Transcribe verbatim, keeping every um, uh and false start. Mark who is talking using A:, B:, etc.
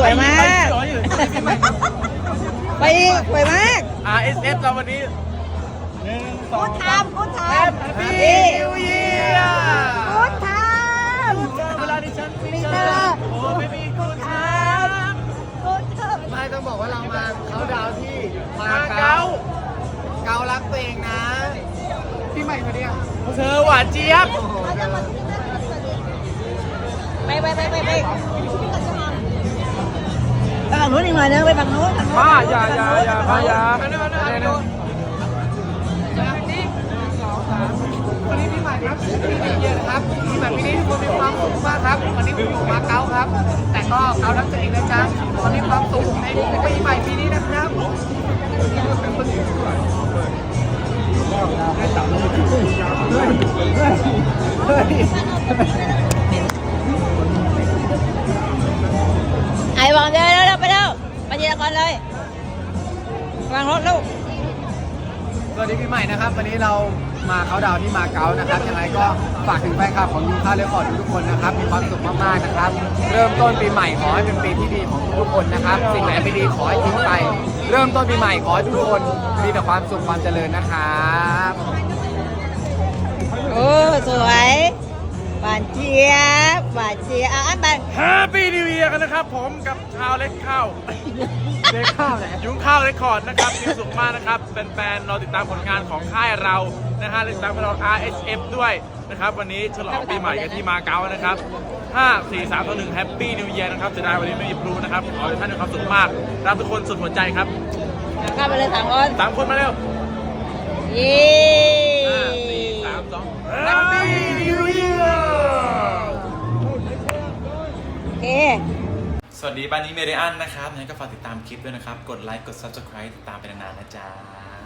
A: วยมากไปอีกสวยมาก
B: อาร์ เอส เอฟ เราวันนี้หนึ่งสองสาม
A: กูทำ
B: แฮปปี้นิวเยียร์
A: กูท
B: เวลาที่ฉันมีเธอโอ้ไม่มีคุณท
A: ำกูทำ
C: ไม่ต้องบอกว่าเรามาเขาดาวน์ที่
B: ำ
C: มา
B: มา
C: เก๊า
B: เก๊า
C: เการักตัวเองนะพี่ใหม่มาเนี่ย
B: เธอหวานเจี๊ยบ
A: ไปไปไปไปไปไปฝั่งนู้นอีกหน่อยนึงไปฝั่งนู้นฝั่งนู้น
B: มาอย่าอย่าอย่ามาอย่า
C: มาด้วยมาด้วยมาด้วยวันนี้พี่ใหม่ครับพี่นิวเยียร์นะครับพี่ใหม่ปีนี้ทุกคนมีความสุขมากครับวันนี้ผมอยู่มาเก๊าครับ แต่ก็เการักตัวเองนะจ๊ะตอนนี้ความสุขในปีใหม่ปีนี้นะครับ
A: ไอ้วางเดินแล้วไปแล้วไปทีละคนเลยวางรถลูก
C: สวัสดีปีใหม่นะครับวันนี้เรามาเขาดาวน์ที่มาเก๊านะครับยังไงก็ฝากถึงแฟนคลับของยูคาเรคคอร์ดทุกคนนะครับมีความสุขมากๆนะครับเริ่มต้นปีใหม่ขอให้เป็นปีที่ดีของทุกคนนะครับสิ่งไหนไม่ดีขอให้ทิ้งไปเริ่มต้นปีใหม่ขอให้ทุกคนมีแต่ความสุขความเจริญนะครับ
A: โอ้สวยหวานเจี๊ยบหวานเจี๊ยบอ่ะอันไป
B: แฮปปี้นิวเยียร์กันนะครับผมกับชาวเล็กข้าว
C: เด็กข้าวไหน
B: ยุ้งข้าวเรคคอร์ดนะครับมีสุขมากนะครับแฟนๆเราติดตามผลงานของค่ายเรานะฮะติดตามเรา อาร์ เอส เอฟ ด้วยนะครับวันนี้ฉลองปีใหม่กันที่มาเก๊านะครับห้า สี่ สาม สอง หนึ่งแฮปปี้นิวเยียร์นะครับจะได้วันนี้ไม่มีพลูนะครับขอให้ท่านมีความสุขมากรักทุกคนสุดหัวใจครับ
A: กลับไปเลยสามคน
B: สามคนมาเร็ว
A: เย้
B: ห้า สี่ สาม สองแฮปปี้นิวเยียร์
A: โอเค
D: สวัสดีบ้านนี้เมเดียนนะครับงั้นก็ฝากติดตามคลิปด้วยนะครับ กดไลค์ กด ซับสไครบ์ ติดตามไปนานๆนะจ๊ะ